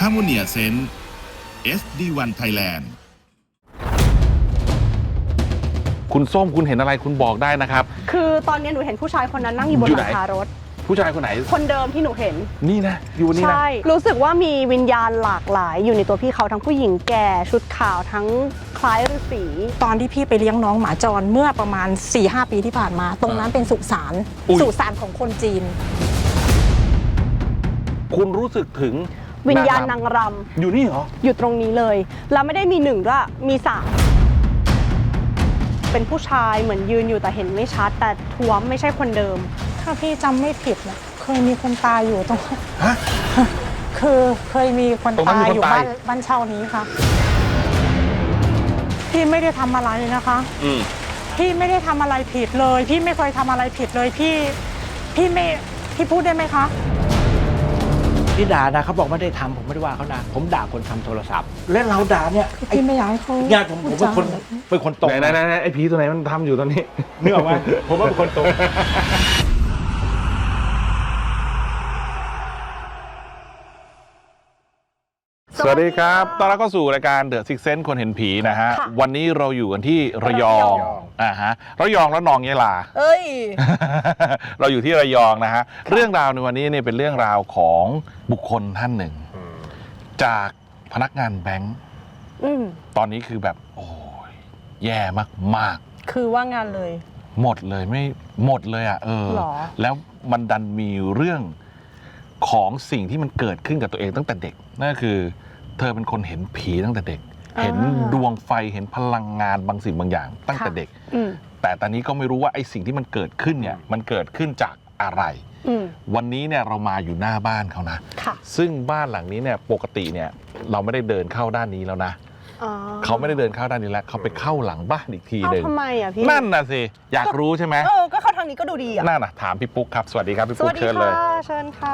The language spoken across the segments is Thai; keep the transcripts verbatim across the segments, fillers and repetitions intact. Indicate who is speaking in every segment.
Speaker 1: Harmonia Sense เอส ดี วัน Thailand
Speaker 2: คุณส้มคุณเห็นอะไรคุณบอกได้นะครับ
Speaker 3: คือตอนนี้หนูเห็นผู้ชายคนนั้นนั่งอยู่บนหลังคารถ
Speaker 2: ผู้ชายคนไหน
Speaker 3: คนเดิมที่หนูเห็น
Speaker 2: นี่นะอยู่นี่นะ
Speaker 3: ใช่รู้สึกว่ามีวิญญาณหลากหลายอยู่ในตัวพี่เขาทั้งผู้หญิงแก่ชุดขาวทั้งคล้ายฤาษี
Speaker 4: ตอนที่พี่ไปเลี้ยงน้องหมาจรเมื่อประมาณ สี่ห้า ปีที่ผ่านมาตรงนั้นเป็นสุสานสุสานของคนจีน
Speaker 2: คุณรู้สึกถึง
Speaker 3: วิญญาณนางรำ
Speaker 2: อยู่นี่เหรอ
Speaker 3: อยู่ตรงนี้เลยแล้วไม่ได้มีหนึ่งด้วยมีสามเป็นผู้ชายเหมือนยืนอยู่แต่เห็นไม่ชัดแต่ท้วมไม่ใช่คนเดิม
Speaker 4: ถ้าพี่จำไม่ผิดนะเคยมีคนตายอยู่ตรง
Speaker 2: ฮะ
Speaker 4: คือเคยมีคนตายอยู่บ้านบ้านเช่านี้ค่ะพี่ไม่ได้ทำอะไรนะคะพี่ไม่ได้ทำอะไรผิดเลยพี่ไม่เคยทำอะไรผิดเลยพี่พี่ไม่พี่พูดได้ไหมคะ
Speaker 5: ที่ด่านะเขาบอกไม่ได้ทำผมไม่ได้ว่าเขานะผมด่าคนทำโทรศัพท์และเราด่าเนี่ย
Speaker 4: พี่ไม่อยากให้เขา
Speaker 5: ญาติผมผมเป็นคนเป็นคนตรง
Speaker 2: ไหนไหนไอ้ผีตัวไหนมันทำอยู่ตอนนี้
Speaker 5: นึกออกไหมผมว่าเป็นคนตรง
Speaker 2: สวัสดีครับต้อนรับเข้าสู่รายการ The Sixth Sense คนเห็นผีนะฮะวันนี้เราอยู่กันที่ระยองอ่าฮะระยองแล้วนองยะลา
Speaker 3: เอ้ย
Speaker 2: เราอยู่ที่ระยองนะฮะเรื่องราวในวันนี้เนี่ยเป็นเรื่องราวของบุคคลท่านหนึ่งจากพนักงานแบงค์ตอนนี้คือแบบโอ้ยแย่มาก
Speaker 3: ๆคือว่างงานเลย
Speaker 2: หมดเลยไม่หมดเลยอ่ะเออแล้วมันดันมีเรื่องของสิ่งที่มันเกิดขึ้นกับตัวเองตั้งแต่เด็กนั่นคือเธอเป็นคนเห็นผีตั้งแต่เด็กเห็นดวงไฟเห็นพลังงานบางสิ่งบางอย่างตั้งแต่เด็กแต่ตอนนี้ก็ไม่รู้ว่าไอ้สิ่งที่มันเกิดขึ้นเนี่ยมันเกิดขึ้นจากอะไรวันนี้เนี่ยเรามาอยู่หน้าบ้านเขานะซึ่งบ้านหลังนี้เนี่ยปกติเนี่ยเราไม่ได้เดินเข้าด้านนี้แล้วนะเขาไม่ได้เดินเข้าด้านนี้แล้วเขาไปเข้าหลังบ้านอีกทีหนึ่ง
Speaker 3: ทำไมอ่ะพี่
Speaker 2: นั่นน่ะสิอยากรู้ใช่ไหม
Speaker 3: เออก็เข้าทางนี้ก็ดูดีอ่ะ
Speaker 2: นั่นน่ะถามพี่ปุ๊กครับสวัสดีครับพี่ปุ๊กเชิญเลย
Speaker 3: เชิญค่ะ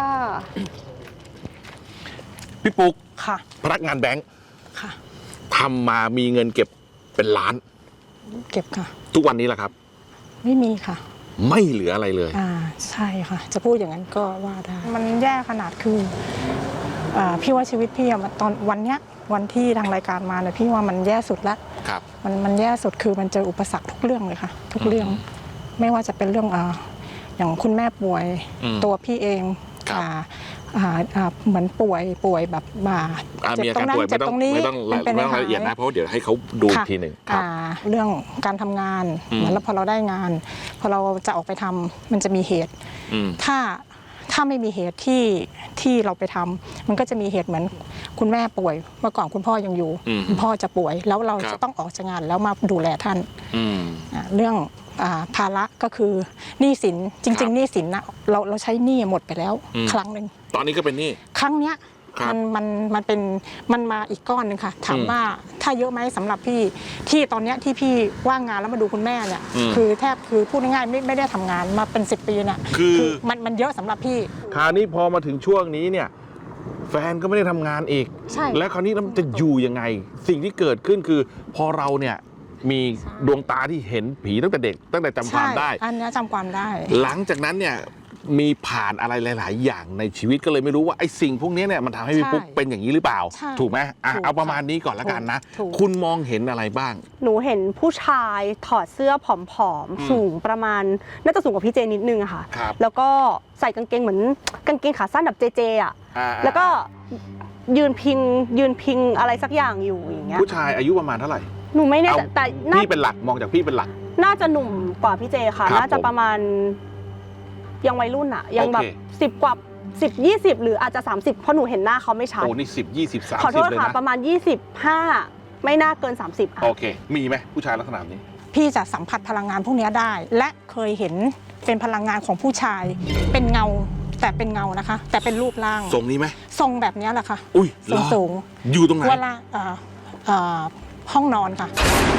Speaker 2: พี่ปุ๊ก
Speaker 4: ค่ะ
Speaker 2: พนักงานแบงค์
Speaker 4: ค่ะ
Speaker 2: ทำมามีเงินเก็บเป็นล้าน
Speaker 4: เก็บค่ะ
Speaker 2: ทุกวันนี้แหละครับ
Speaker 4: ไม่มีค่ะ
Speaker 2: ไม่เหลืออะไรเลย
Speaker 4: อ่าใช่ค่ะจะพูดอย่างนั้นก็ว่าได้มันแย่ขนาดคืออ่าพี่ว่าชีวิตพี่อะตอนวันเนี้ยวันที่ทางรายการมาเนี่ยพี่ว่ามันแย่สุดแล้ว
Speaker 2: ครับ
Speaker 4: มันมันแย่สุดคือมันเจออุปสรรคทุกเรื่องเลยค่ะทุกเรื่องไม่ว่าจะเป็นเรื่องอ่าอย่างคุณแม่ป่วยตัวพี่เองอ่าเหมือนป่วยป่วยแบบมา
Speaker 2: เจ็บตรงนั้นเจ็บตรงนี้ไม่ต้องไม่ต้องละเอียดนะเพราะเดี๋ยวให้เขาดูทีหนึ่ง
Speaker 4: เรื่องการทำงานเหมือนแล้วพอเราได้งานพอเราจะออกไปทำมันจะมีเหตุถ้าถ้าไม่มีเหตุที่ที่เราไปทำมันก็จะมีเหตุเหมือนคุณแม่ป่วยเมื่อก่อนคุณพ่อยังอยู่คุณพ่อจะป่วยแล้วเราจะต้องออกจากงานแล้วมาดูแลท่านเรื่องภาระก็คือหนี้สินจริงๆหนี้สินนะเราเราใช้หนี้หมดไปแล้วครั้งหนึ่ง
Speaker 2: ตอนนี้ก็เป็นหนี้
Speaker 4: ครั้งเนี้ยมันมันมันเป็นมันมาอีกก้อนหนึ่งค่ะถามว่าถ้าเยอะไหมสำหรับพี่ที่ตอนเนี้ยที่พี่ว่างงานแล้วมาดูคุณแม่เนี่ยคือแทบคือพูดง่ายๆไม่ไม่ได้ทำงานมาเป็นสิบปีน่ะ
Speaker 2: คือ
Speaker 4: มันมันเยอะสำหรับพี่
Speaker 2: คราวนี้พอมาถึงช่วงนี้เนี่ยแฟนก็ไม่ได้ทำงานอีกและคราวนี้เราจะอยู่ยังไงสิ่งที่เกิดขึ้นคือพอเราเนี่ยมีดวงตาที่เห็นผีตั้งแต่เด็กตั้งแต่จำความได้
Speaker 4: อันนี้จำความได้
Speaker 2: หลังจากนั้นเนี่ยมีผ่านอะไรหลายๆอย่างในชีวิตก็เลยไม่รู้ว่าไอ้สิ่งพวกนี้เนี่ยมันทำให้พี่ปุ๊กเป็นอย่างนี้หรือเปล่าถูกไหมอ่ะเอาประมาณนี้ก่อนละกันนะคุณมองเห็นอะไรบ้าง
Speaker 3: หนูเห็นผู้ชายถอดเสื้อผอมๆสูงประมาณน่าจะสูงกว่าพี่เจนิดนึงอะค่ะแล้วก็ใส่กางเกงเหมือนกางเกงขาสั้นแบบเจเจอะแล้วก็ยืนพิงยืนพิงอะไรสักอย่างอยู่อย่างเงี้ย
Speaker 2: ผู้ชายอายุประมาณเท่าไหร่
Speaker 3: หนูไม่แน่ใจแต่
Speaker 2: พี่เป็นหลักมองจากพี่เป็นหลัก
Speaker 3: น่าจะหนุ่มกว่าพี่เจค่ะน่าจะประมาณยังวัยรุ่นอะยังแบบสิบกว่าสิบยี่สิบหรืออาจจะสามสิบเพราะหนูเห็นหน้าเขาไม่ชัด
Speaker 2: โอ้นี่สิบยี่สิบสามสิบ
Speaker 3: ขอโทษค่ะประมาณยี่สิบห้าไม่น่าเกินสามสิบ
Speaker 2: โอเคมีไหมผู้ชายลักษณะนี้
Speaker 4: พี่จะสัมผัสพลังงานพวกนี้ได้และเคยเห็นเป็นพลังงานของผู้ชายเป็นเงาแต่เป็นเงานะคะแต่เป็นรูปร่าง
Speaker 2: ทรงนี้ไหม
Speaker 4: ทรงแบบนี้แหละค่ะ
Speaker 2: อุ้ย
Speaker 4: สูงสูง
Speaker 2: อยู่ตรงไหน
Speaker 4: เวลาห้องนอนค่ะ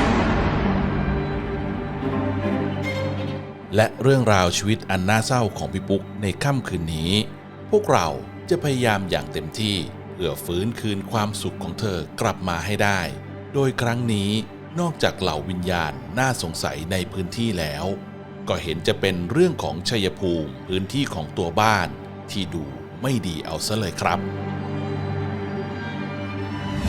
Speaker 1: และเรื่องราวชีวิตอันน่าเศร้าของพี่ปุ๊กในค่ำคืนนี้พวกเราจะพยายามอย่างเต็มที่เพื่อฟื้นคืนความสุขของเธอกลับมาให้ได้โดยครั้งนี้นอกจากเหล่าวิญญาณน่าสงสัยในพื้นที่แล้วก็เห็นจะเป็นเรื่องของชัยภูมิพื้นที่ของตัวบ้านที่ดูไม่ดีเอาซะเลยครับ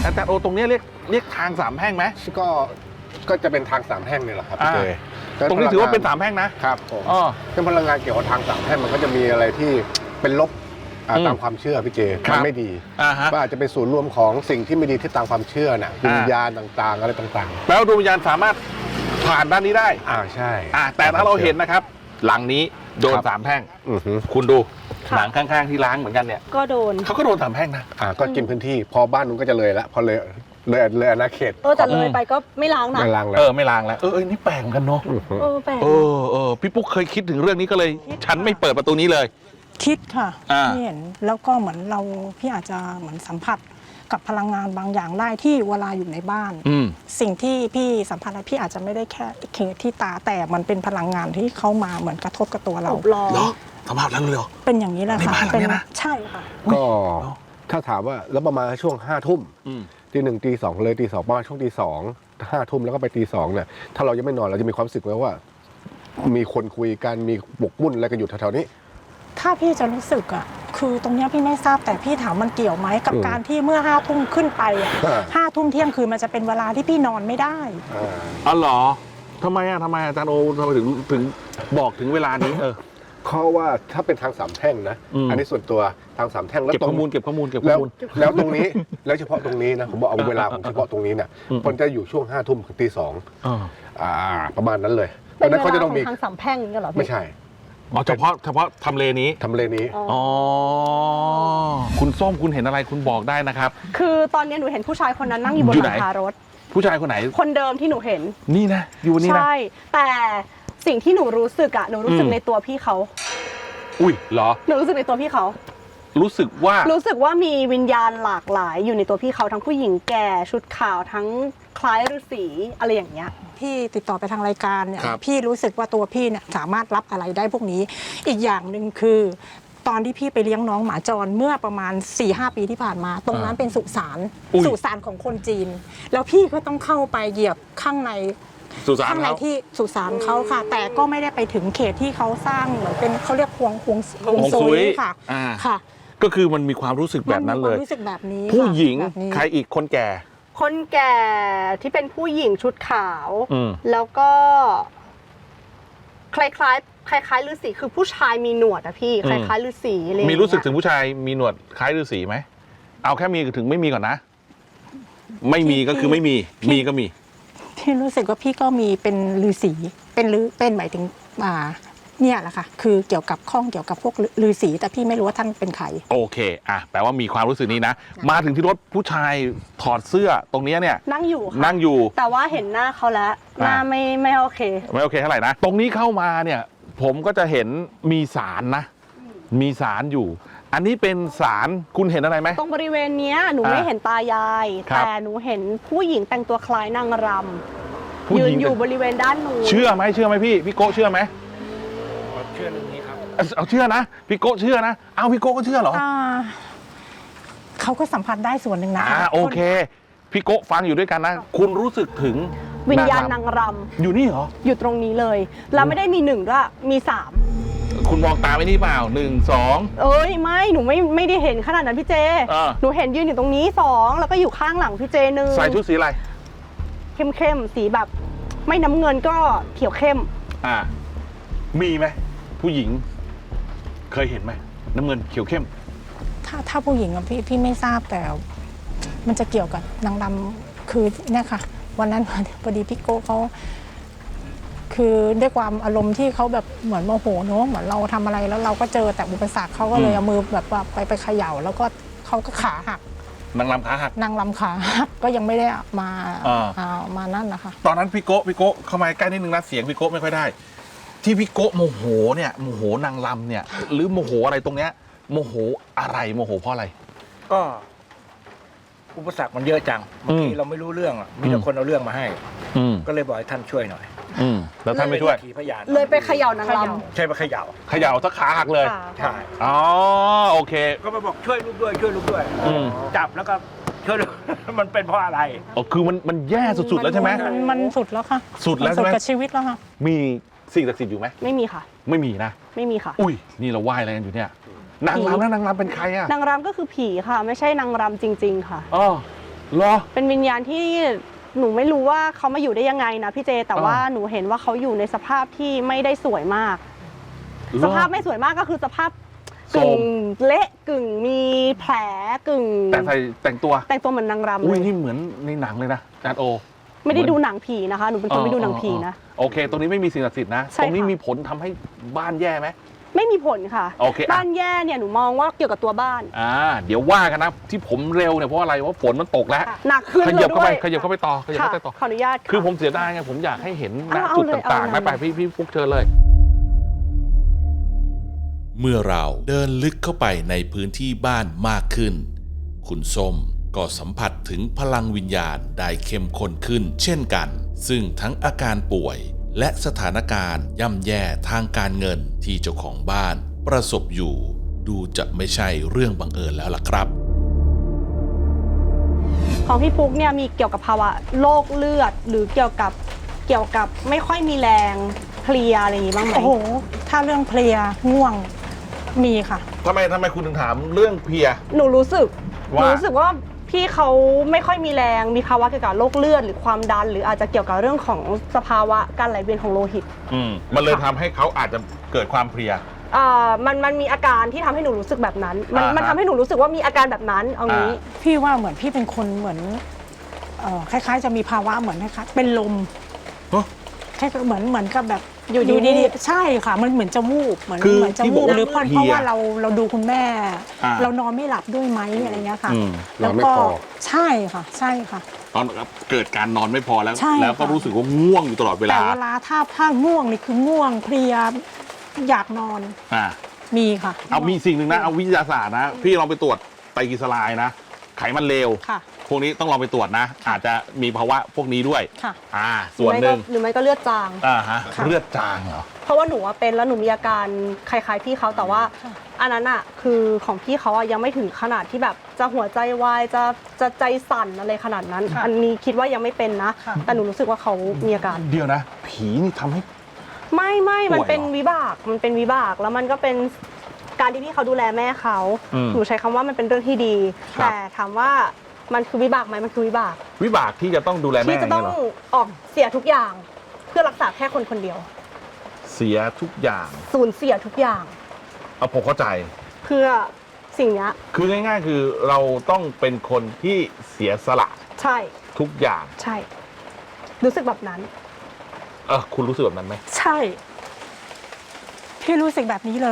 Speaker 2: อาจารย์โอตรงนี้เรียกเรียกทางสามแพร่งไหม
Speaker 6: ก็ก็จะเป็นทางสามแพร่งนี่แหละครับพี่เจ
Speaker 2: ตรงนี้ถือว่าเป็นสามแพร่งนะครับ
Speaker 6: ผม
Speaker 2: อ๋อ
Speaker 6: เรื่องพลังงานเกี่ยวกับทางสามแพร่งมันก็จะมีอะไรที่เป็นลบอ่า
Speaker 2: อืม
Speaker 6: ตามความเชื่อพี่เจ
Speaker 2: ครั
Speaker 6: มั
Speaker 2: บ
Speaker 6: นไม่ดี
Speaker 2: อ่าฮะ
Speaker 6: ว่าอาจจะเป็นศูนย์รวมของสิ่งที่ไม่ดีที่ตามความเชื่อน่ะวิญ
Speaker 2: อ่า
Speaker 6: ญาณต่างๆ อะไรต่าง
Speaker 2: แปลว่าดวงวิญญาณสามารถผ่านด้านนี้ได้
Speaker 6: ๆอ่าใช่
Speaker 2: อ่าแต่ถ้าเราเห็นนะครับ หลังนี้โดน
Speaker 6: ครับ
Speaker 2: สามแพร่ง
Speaker 6: อือฮึ
Speaker 2: คุณดู
Speaker 3: ค่ะ
Speaker 2: หลังข้างๆที่ล้างเหมือนกันเนี่ย
Speaker 3: ก็โดน
Speaker 2: เขาก็โดนสามแพร่งนะ
Speaker 6: อ่าก็กินพื้นที่พอบ้านนู้นก็จะเลยละพอเลยเลยเลยอาณาเขต
Speaker 3: เออแต่เลยไปก็ไม่ล้างนะ
Speaker 6: ไม่ล้างแล้ว
Speaker 2: เออไม่ล้างแล้วเออเออนี่แปลกเหมือนกันเนาะ
Speaker 6: อือฮึ
Speaker 3: เออแปลก
Speaker 2: เออเออพี่ปุ๊กเคยคิดถึงเรื่องนี้ก็เลย ฉันไม่เปิดประตูนี้เลย
Speaker 4: คิดค่ะ
Speaker 2: อ่า
Speaker 4: พี่เห็นแล้วก็เหมือนเราพี่อาจจะเหมือนสัมผัสกับพลังงานบางอย่างได้ที่เวลาอยู่ในบ้าน
Speaker 2: อืม
Speaker 4: สิ่งที่พี่สัมผัสได้พี่อาจจะไม่ได้แค่เคที่ตาแต่มันเป็นพลังงานที่เข้ามาเหมือนกระทบกับตัวเรา
Speaker 3: อบล้อม
Speaker 2: เหรอสภาพนั้นเลยเหรอ
Speaker 4: เป็นอย่างนี้แหละ
Speaker 2: ใน
Speaker 4: ค่ะ
Speaker 2: บ้านหลัง
Speaker 4: เป็น
Speaker 2: เนี้ยนะ
Speaker 4: ใช่ค่ะ
Speaker 6: ก็ถ้าถามว่าแล้วประมาณช่วงห้าทุ่ม
Speaker 2: อืม
Speaker 6: ตีหนึ่งตีสองเลยตีสองประมาณช่วงตีสองห้าทุ่มแล้วก็ไปตีสองเนี่ยถ้าเรายังไม่นอนเราจะมีความรู้สึกไหมว่า มีคนคุยกันมีบกมุ่นอะไรกันอยู่แถวๆนี้
Speaker 4: ถ้าพี่จะรู้สึกอ่ะคือตรงเนี้ยพี่ไม่ทราบแต่พี่ถามมันเกี่ยวไหมกับ
Speaker 6: อืม
Speaker 4: การที่เมื่อห้าทุ่มขึ้นไปอ่ะ
Speaker 6: อ่า
Speaker 4: ห้าทุ่มเที่ยงคืนมันจะเป็นเวลาที่พี่นอนไม่ได้
Speaker 6: อ่า
Speaker 2: อ๋อเหรอทำไมอ่ะทำไมอาจารย์โอทำไมถึงถึงบอกถึงเวลานี้เออ
Speaker 6: เพราะว่าถ้าเป็นทางสามแพร่งนะ
Speaker 2: อืม
Speaker 6: อันนี้ส่วนตัวทางสามแพร่งแล้ว
Speaker 2: เก็บ
Speaker 6: ตร
Speaker 2: ข้อง มูลเก็บข้อมูลเก็บข้
Speaker 6: แล้
Speaker 2: อ
Speaker 6: ว
Speaker 2: มูล
Speaker 6: แล้วตรงนี้แล้วเฉพาะตรงนี้นะผมบอกเอาเวลาของ
Speaker 2: อ่า
Speaker 6: เฉพาะตรงนี้เนี่ย
Speaker 2: อืม
Speaker 6: มันจะอยู่ช่วงห้าทุ่มถึงตีสอง
Speaker 2: อ๋อ
Speaker 6: อ่าประมาณนั้นเลยเพ
Speaker 3: เป็น
Speaker 6: ราะฉะนั้น
Speaker 3: เว
Speaker 6: เขา
Speaker 3: ลา
Speaker 6: จะ
Speaker 3: ข
Speaker 6: ต้
Speaker 3: อ
Speaker 6: อง
Speaker 3: ง
Speaker 6: มี
Speaker 3: ทางสามแพร่งนี่เหรอพี่
Speaker 6: ไม่ใช่
Speaker 2: อ๋อเฉพาะเฉพาะทำเลนี้
Speaker 6: ทำเลนี้
Speaker 3: อ๋อ
Speaker 2: อ๋อคุณส้มคุณเห็นอะไรคุณบอกได้นะครับ
Speaker 3: คือตอนนี้หนูเห็นผู้ชายคนนั้นนั่งอยู่บน
Speaker 2: อยู่
Speaker 3: ห
Speaker 2: ไหน
Speaker 3: ลังคารถ
Speaker 2: ผู้ชายคนไหน
Speaker 3: คนเดิมที่หนูเห็น
Speaker 2: นี่นะอยู่นี่นะ
Speaker 3: ใช่ แต่สิ่งที่หนูรู้สึกอะหนูรู้สึก
Speaker 2: อืม
Speaker 3: ในตัวพี่เขา
Speaker 2: อุ้ยเหรอ
Speaker 3: หนูรู้สึกในตัวพี่เขา
Speaker 2: รู้สึกว่า
Speaker 3: รู้สึกว่ามีวิญญาณหลากหลายอยู่ในตัวพี่เขาทั้งผู้หญิงแก่ชุดขาวทั้งคล้ายฤาษีอะไรอย่างเงี้ย
Speaker 4: พี่ติดต่อไปทางรายการเนี่ย
Speaker 2: ครับ
Speaker 4: พี่รู้สึกว่าตัวพี่เนี่ยสามารถรับอะไรได้พวกนี้ อีกอย่างหนึ่งคือ ตอนที่พี่ไปเลี้ยงน้องหมาจรเมื่อประมาณ สี่ห้า ปีที่ผ่านมา ตรงนั้นเป็นสุสาน
Speaker 2: อุ้ย
Speaker 4: สุสานของคนจีน แล้วพี่ก็ต้องเข้าไปเหยียบข้างใน
Speaker 2: สุสาน
Speaker 4: ข้างใน
Speaker 2: เขา
Speaker 4: ที่สุสานเขาค่ะ แต่ก็ไม่ได้ไปถึงเขตที่เขาสร้างเหมือนเป็นเขาเรียกฮวงฮวงฮวง
Speaker 2: ฮวง
Speaker 4: ซุ
Speaker 2: ซุย
Speaker 4: ยค่ะ
Speaker 2: อ่า
Speaker 4: ค่ะ
Speaker 2: ก็คือมันมีความรู้สึกแบบนั้นเลย
Speaker 4: มัมีความรู้สึกแบบนี้
Speaker 2: ผู้
Speaker 4: ค่ะ
Speaker 2: หญิง
Speaker 4: แบบนี้
Speaker 2: ใครอีกคนแก่
Speaker 3: คนแก่ที่เป็นผู้หญิงชุดขาว
Speaker 2: อืม
Speaker 3: แล้วก็คล้ายคล้ายๆคล้ายคล้ายๆฤาษีคือผู้ชายมีหนวดอะพี่คล้ายคล้ายๆฤาษีอะไรอย่าง
Speaker 2: มี
Speaker 3: เงี้ย
Speaker 2: รู้สึกถึงผู้ชายมีหนวดคล้ายฤาษีไหมเอาแค่มีถึงไม่มีก่อนนะ ไม่มีก็คือไม่มี มีก็มี
Speaker 4: พี่รู้สึกว่าพี่ก็มีเป็นฤาษีเป็นฤเป็นหมายถึงอ่าเนี่ยแหละค่ะ คือเกี่ยวกับข้องเกี่ยวกับพวกฤาษีแต่พี่ไม่รู้ว่าท่านเป็นใคร
Speaker 2: โอเคอ่ะแปลว่ามีความรู้สึกนี้นะ มาถึงที่รถผู้ชายถอดเสื้อตรงเนี้ยเนี่ย
Speaker 3: นั่งอยู่ค่ะ
Speaker 2: นั่งอยู่
Speaker 3: แต่ว่าเห็นหน้าเขาแล้ว หน้า
Speaker 2: อ่า
Speaker 3: ไม่ไม่โอเค
Speaker 2: ไม่โอเคเท่าไหร่นะ ตรงนี้เข้ามาเนี่ย ผมก็จะเห็นมีสารนะ มีสารอยู่ อันนี้เป็นสารคุณเห็นอะไรไหม
Speaker 3: ตรงบริเวณเนี้ยหนู
Speaker 2: อ่า
Speaker 3: ไม่เห็นตายาย
Speaker 2: ครับ
Speaker 3: แต่หนูเห็นผู้หญิงแต่งตัวคล้ายนางร
Speaker 2: ผู้
Speaker 3: ำยื
Speaker 2: ห
Speaker 3: น
Speaker 2: ญิง
Speaker 3: อยู่บริเวณด้านนู้น
Speaker 2: เชื่อไหมเชื่อไหมพี่พี่โก้เชื่อไหม
Speaker 5: เชื่อเรื่องนี้ครับ
Speaker 2: เอาเอาเชื่อนะพี่โก้เชื่อนะเอาพี่โก้ก็เชื่อเหรอ
Speaker 4: อ่าเขาก็สัมผัสได้ส่วนหนึ่งนะ
Speaker 2: อ่าโอเค พี่โก้ฟังอยู่ด้วยกันนะ คุณรู้สึกถึง
Speaker 3: วิญญาณ
Speaker 2: ร
Speaker 3: นางร
Speaker 2: อยู่นี่เหรอ
Speaker 3: ำอยู่ตรงนี้เลย แล้วไม่ได้มีหนึ่งด้วยมีสาม
Speaker 2: คุณมองตามไอ้นี่เปล่าหนึ่งสอง
Speaker 3: เอ้ยไม่หนูไม่ไม่ได้เห็นขนาดนั้นพี่เจ
Speaker 2: อ่า
Speaker 3: หนูเห็นยืนอยู่ตรงนี้สองแล้วก็อยู่ข้างหลังพี่เจหนึ่ง
Speaker 2: ใส่ชุดสีอะไร
Speaker 3: เข้มเข้มๆสีแบบ ไม่น้ำเงินก็เขียวเข้ม
Speaker 2: อ่า มีไหมผู้หญิง เคยเห็นไหมน้ำเงินเขียวเข้ม
Speaker 4: ถ้าถ้าผู้หญิงอะพี่พี่ไม่ทราบแต่ มันจะเกี่ยวกับนางรำคือเนี่ยค่ะ วันนั้น พอดีพี่โก้เขาคือด้วยความอารมณ์ที่เขาแบบเหมือนโมโหเนอะเหมือนเราทำอะไรแล้วเราก็เจอแต่อุปสรรคเขาก็เลย
Speaker 2: อืม
Speaker 4: เอามือแบบว่าไปไปเขย่า แล้วก็เขาก็ขาหัก
Speaker 2: นางรำขาหัก
Speaker 4: นางรำขาหักก็ยังไม่ได้มา
Speaker 2: อ่า
Speaker 4: เอามานั่นนะคะ
Speaker 2: ตอนนั้นพี่โก้พี่โก้เข้ามาใกล้นิดนึงนะเสียงพี่โก้ไม่ค่อยได้ ที่พี่โก้โมโหเนี่ยโมโหนางรำเนี่ย หรือโมโหอะไรตรงเนี้ยโมโหอะไรโมโหเพราะอะไร
Speaker 5: ก็อุปสรรคมันเยอะจังบางทีเราไม่รู้เรื่องอะมีแต่คนเอาเรื่องมาให้
Speaker 2: อืม
Speaker 5: ก็เลยบอกให้ท่านช่วยหน่อย
Speaker 2: อืมแล้วท่านไม่ช่วย
Speaker 5: ขี่พยาน
Speaker 3: เลยไปเขย่านางร
Speaker 5: ใช่ไปเขย่า
Speaker 2: เขย่าสักขาหักเลย
Speaker 3: ำค่ะ
Speaker 5: ใช่
Speaker 2: อ๋อโอเค
Speaker 5: ก็มาบอกช่วยลูกด้วยช่วยลูกด้วย
Speaker 2: อืม
Speaker 5: จับแล้วก็ช่วยลูก มันเป็นเพราะอะไร
Speaker 2: อ๋อคือมันมันแย่สุดๆแล้วใช่ไหม
Speaker 4: นมันสุดแล้วค่ะ
Speaker 2: สุดแล้วใช่ไหม
Speaker 4: นสุดกับชีวิตแล้วค่ะ
Speaker 2: มีสิ่งศักดิ์สิทธิ์อยู่ไหม
Speaker 3: ไม่มีค่ะ
Speaker 2: ไม่มีนะ
Speaker 3: ไม่มีค่ะ
Speaker 2: อุ้ยนี่เราไหว้อะไรกันอยู่เนี่ยนางรำนะนางรำเป็นใครอ่ะ
Speaker 3: นางรำก็คือผีค่ะ ไม่ใช่นางรำจริง ๆ ค่ะ
Speaker 2: อ๋อเหรอ
Speaker 3: เป็นวิญญาณที่หนูไม่รู้ว่าเขามาอยู่ได้ยังไงนะพี่เจแต่ว่าหนูเห็นว่าเขาอยู่ในสภาพที่ไม่ได้สวยมาก สภาพไม่สวยมากก็คือสภาพกึ่งเละกึ่งมีแผลกึ่ง
Speaker 2: แต่ใส่แต่งตัว
Speaker 3: แต่งตัวเหมือนนางรำ
Speaker 2: อุ้
Speaker 3: เลย ย
Speaker 2: นี่เหมือนในหนังเลยนะอาจารย์โอ
Speaker 3: ไม่ได้ดูหนังผีนะคะหนูเป็นคนไม่ดูหนังผีนะ
Speaker 2: โอเค ตรงนี้ไม่มีสิ่งศักดิ์สิทธิ์นะ
Speaker 3: ใช่
Speaker 2: ตรงนี้
Speaker 3: ค่ะ
Speaker 2: มีผลทำให้บ้านแย่ไหม
Speaker 3: ไม่มีผลค่ะ
Speaker 2: โอเคอ่ะ
Speaker 3: บ้านแย่เนี่ยหนูมองว่าเกี่ยวกับตัวบ้าน
Speaker 2: อ่าเดี๋ยวว่ากันนะที่ผมเร็วเนี่ยเพราะอะไรว่าฝนมันตกแล้ว
Speaker 3: หนักขึ้น
Speaker 2: ข
Speaker 3: เล
Speaker 2: ยั
Speaker 3: ย
Speaker 2: บเข้า
Speaker 3: ด้
Speaker 2: ไป
Speaker 3: วย
Speaker 2: ขยับเข้าไปต่อขยับ
Speaker 3: ค่ะ
Speaker 2: เข้าไปต่อ
Speaker 3: ขออนุญาต
Speaker 2: คือผมเสียดายไงผมอยากให้เห็นณ
Speaker 3: เอา
Speaker 2: จุด
Speaker 3: เลย
Speaker 2: ต่างๆ
Speaker 3: เอา
Speaker 2: ไม่
Speaker 3: เลย
Speaker 2: ไปพี่พี่ฟุกเชิญเลย
Speaker 1: เมื่อเราเดินลึกเข้าไปในพื้นที่บ้านมากขึ้น คุณส้มก็สัมผัสถึงพลังวิญญาณได้เข้มข้นขึ้นเช่นกัน ซึ่งทั้งอาการป่วยและสถานการณ์ย่ำแย่ทางการเงินที่เจ้าของบ้านประสบอยู่ ดูจะไม่ใช่เรื่องบังเอิญแล้วล่ะครับ
Speaker 3: ของพี่ปุ๊กเนี่ยมีเกี่ยวกับภาวะโรคเลือด หรือเกี่ยวกับเกี่ยวกับไม่ค่อยมีแรงเพลียอะไรอย่างงี้บ้างไหม
Speaker 4: โอ้โห ถ้าเรื่องเพลียง่วงมีค่ะ
Speaker 2: ทำไมทำไมคุณถึงถามเรื่องเพลีย
Speaker 3: หนูรู้สึกห
Speaker 2: ว่า
Speaker 3: นูรู้สึกว่าพี่เขาไม่ค่อยมีแรงมีภาวะเกี่ยวกับโรคเลือดหรือความดัน หรืออาจจะเกี่ยวกับเรื่องของสภาวะการไหลเวียนของโลหิต
Speaker 2: อืมมันเลยทำให้เขาอาจจะเกิดความเพลีย
Speaker 3: อ่ามันมันมีอาการที่ทำให้หนูรู้สึกแบบนั้น มัน
Speaker 2: อ่าฮะ
Speaker 3: มันทำให้หนูรู้สึกว่ามีอาการแบบนั้นเอางี้
Speaker 2: อ่า
Speaker 4: พี่ว่าเหมือนพี่เป็นคนเหมือนเอ่อคล้ายๆ จะมีภาวะเหมือนคล้ายๆเป็นลม
Speaker 2: ฮะ
Speaker 4: คล้ายๆเหมือนเหมือนกับแบบ
Speaker 3: อยู่ดี
Speaker 4: ดีๆใช่ค่ะ มันเหมือนจะวูบเหมือน
Speaker 2: คือ
Speaker 4: เหมือนจะ
Speaker 2: ที่บ
Speaker 4: วู
Speaker 2: อก
Speaker 4: บ
Speaker 2: ว่า
Speaker 4: หรือเพราะ
Speaker 2: เพลีย
Speaker 4: เพราะว่าเราเราดูคุณแม่
Speaker 2: อ่า
Speaker 4: เรานอนไม่หลับด้วยไหมอะไรเงี้ยค่ะ
Speaker 2: อืม
Speaker 6: นอนไม่
Speaker 4: แล้วก็
Speaker 6: พอ
Speaker 4: ใช่ค่ะ ใช่ค่ะ
Speaker 2: ตอนเกิดการนอนไม่พอแล้ว
Speaker 4: ใช่
Speaker 2: แล้วก็
Speaker 4: ค่ะ
Speaker 2: รู้สึกว่าง่วงอยู่ตลอดเว
Speaker 4: แต่
Speaker 2: ลา
Speaker 4: เวลาถ้าถ้าง่วงนี่คือง่วงเพลียอยากนอน
Speaker 2: อ่า
Speaker 4: มีค่ะ
Speaker 2: เอามีสิ่งหนึ่งนะเอาวิทยาศาสตร์นะ พี่ลองไปตรวจไตรกลีเซอไรด์นะ ไขมันเลว
Speaker 4: ค่ะ
Speaker 2: พวกนี้ต้องลองไปตรวจนะ อาจจะมีภาวะพวกนี้ด้วย
Speaker 4: ค่ะ
Speaker 2: อ่า ส่วนหนึ่ง
Speaker 3: หรือไม่ก็เลือดจาง
Speaker 2: อ่าฮะ
Speaker 4: ค่ะ
Speaker 2: เลือดจางเหรอ
Speaker 3: เพราะว่าหนูอะเป็นแล้วหนูมีอาการคล้ายๆพี่เขาแต่ว่า
Speaker 4: ค่ะ
Speaker 3: อันนั้นอะคือของพี่เขาอะยังไม่ถึงขนาดที่แบบจะหัวใจวายจะจะใจสั่นอะไรขนาดนั้น
Speaker 4: ค่ะ
Speaker 3: อันนี้คิดว่ายังไม่เป็นนะ
Speaker 4: ค่ะ
Speaker 3: แต่หนูรู้สึกว่าเขามีอาการ
Speaker 2: เดียวนะ ผีนี่ทำให้
Speaker 3: ไม่ไม่มันเป็น
Speaker 2: ป่วยเหรอ
Speaker 3: วิบากมันเป็นวิบากแล้วมันก็เป็นการที่พี่เขาดูแลแม่เขา
Speaker 2: อืม
Speaker 3: หนูใช้คำว่ามันเป็นเรื่องที่ดี
Speaker 2: ครับ
Speaker 3: แต่ถามว่ามันคือวิบากไหมมันคือวิบาก
Speaker 2: วิบากที่จะต้องดูแลแม่
Speaker 3: ที่จะต้อง
Speaker 2: เนี่ยเหรอ
Speaker 3: ออกเสียทุกอย่าง เพื่อรักษาแค่คนคนเดียว
Speaker 2: เสียทุกอย่าง
Speaker 3: สูญเสียทุกอย่าง
Speaker 2: เอาผมเข้าใจ
Speaker 3: เพื่อสิ่งเนี้ย
Speaker 2: คือง่ายๆ คือเราต้องเป็นคนที่เสียสละ
Speaker 3: ใช่
Speaker 2: ทุกอย่าง
Speaker 3: ใช่ รู้สึกแบบนั้น
Speaker 2: เออคุณรู้สึกแบบนั้นไหม
Speaker 4: ใช่ พี่รู้สึกแบบนี้เลย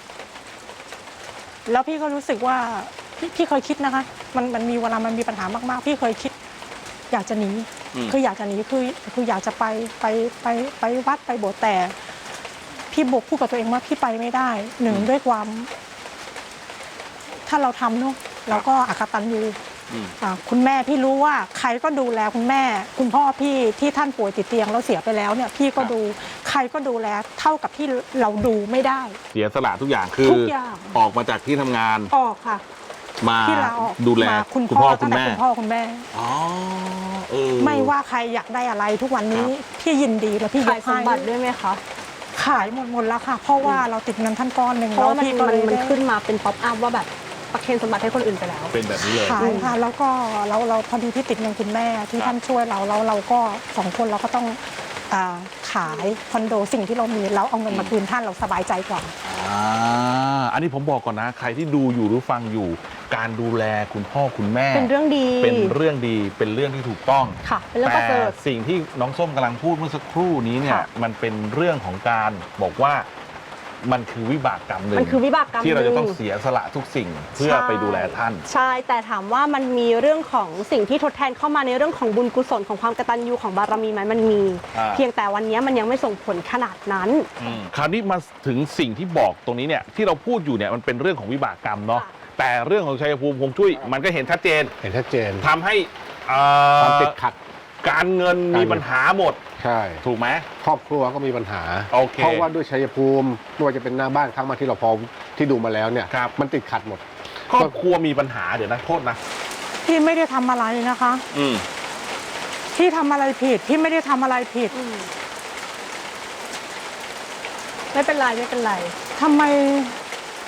Speaker 4: แล้วพี่ก็รู้สึกว่าพี่พี่เคยคิดนะคะ มันมันมีเวลามันมีปัญหามากๆ พี่เคยคิด อยากจะหนีคืออยากจะหนีคือคืออยากจะไปไปไปไปวัดไปโบสถ์แต่ พี่บอกพูดกับตัวเองว่าพี่ไปไม่ได้หนึ่งด้วยความ ถ้าเราทำเนาะเราก็อกตัญญู
Speaker 2: อืม
Speaker 4: อ่าคุณแม่พี่รู้ว่าใครก็ดูแลคุณแม่ คุณพ่อพี่ที่ท่านป่วยติดเตียงแล้วเสียไปแล้วเนี่ย พี่ก็ดูใครก็ดูแลเท่ากับที่เราดูไม่ได้
Speaker 2: เสียสละทุกอย่างคือ
Speaker 4: ทุกอย่าง
Speaker 2: ออกมาจากที่ทำงาน
Speaker 4: ออกค่ะ
Speaker 2: มา
Speaker 4: ที่ลาออก
Speaker 2: ดูแล
Speaker 4: มาคุณ
Speaker 2: คุณ
Speaker 4: พ่
Speaker 2: พ่
Speaker 4: อ
Speaker 2: อคุ
Speaker 4: ตั้
Speaker 2: ณ
Speaker 4: งแต่
Speaker 2: แม่
Speaker 4: คุณพ่อคุณแม่
Speaker 2: อ๋อเออ
Speaker 4: ไม่ว่าใครอยากได้อะไรทุกวันนี้
Speaker 2: ครับ
Speaker 4: พี่ยินดีแล้วพี่
Speaker 3: ขาย
Speaker 4: ก
Speaker 3: ส
Speaker 4: ให้
Speaker 3: มบัติด้วยไหมคะ
Speaker 4: ขายหมดหมดแล้วค่ะ เพราะว่าเราติดเงินท่านก้อนหนึ่ง
Speaker 3: เพราะว่ามัน
Speaker 4: พี่ก็
Speaker 3: มัน
Speaker 4: เลย
Speaker 3: มัน
Speaker 4: ได้
Speaker 3: ขึ้นมาเป็นป๊อปอัพว่าแบบประเคนสมบัติให้คนอื่นไปแล้ว
Speaker 2: เป็นแบบนี้เลย
Speaker 4: ขายค่ะแล้วก็เราเราพอดีที่ติดเงินคุณแม่ที่
Speaker 2: ครับ
Speaker 4: ท่านช่วยเราแล้วเราก็สองคนเราก็ต้องอ่าขายคอนโดสิ่งที่เรามีแล้วเอาเงินมาคืนท่านเราสบายใจกว่า
Speaker 2: อ่าอันนี้ผมบอกก่อนนะ ใครที่ดูอยู่หรือฟังอยู่ การดูแลคุณพ่อคุณแม่
Speaker 3: เป็นเรื่องดี
Speaker 2: เป็นเรื่องดีเป็นเรื่องที่ถูกต้อง
Speaker 3: ค่ะ เป็นเรื่องประ
Speaker 2: แต่
Speaker 3: เสริฐ
Speaker 2: สิ่งที่น้องส้มกำลังพูดเมื่อสักครู่นี้เนี่ย
Speaker 3: ค่ะ
Speaker 2: มันเป็นเรื่องของการบอกว่ามันคือวิบากกรรมหนึ่ง
Speaker 3: มันคือวิบากกรรม
Speaker 2: ที่เราจะต้อง
Speaker 3: หนึ่
Speaker 2: เสียสละทุกสิ่งเพื่อ
Speaker 3: ใช่
Speaker 2: ไปดูแลท่าน
Speaker 3: ใช่ แต่ถามว่ามันมีเรื่องของสิ่งที่ทดแทนเข้ามาในเรื่องของบุญกุศลของความกตัญญูของบารมีไหมมันมี
Speaker 2: อ่า
Speaker 3: เพียงแต่วันนี้มันยังไม่ส่งผลขนาดนั้น
Speaker 2: คราวนี้มาถึงสิ่งที่บอกตรงนี้เนี่ยที่เราพูดอยู่เนี่ยมันเป็นเรื่องของวิบากกรรมเนาะ
Speaker 3: ค่ะ
Speaker 2: แต่เรื่องของชัยภูมิฮวงจุ้ยมันก็เห็นชัดเจน
Speaker 6: เห็นชัดเจน
Speaker 2: ทำให้เอ่อ
Speaker 6: ความติดขัด
Speaker 2: การเงินมีปัญหาหมด
Speaker 6: ใช่
Speaker 2: ถูกไหม
Speaker 6: ครอบครัวก็มีปัญหา
Speaker 2: โอเค
Speaker 6: เพราะว่าด้วยชัยภูมิไม่ว่าจะเป็นหน้าบ้านครั้งมาที่เราพอที่ดูมาแล้วเนี่ย
Speaker 2: ครับ
Speaker 6: มันติดขัดหมด
Speaker 2: ครอบครัวมีปัญหาเดี๋ยวนะโทษนะ
Speaker 4: พี่ไม่ได้ทำอะไรนะคะ
Speaker 2: อืม
Speaker 4: พี่ทำอะไรผิดพี่ไม่ได้ทำอะไรผิด
Speaker 3: ไม่เป็นไรไม่เป็นไร
Speaker 4: ทำไม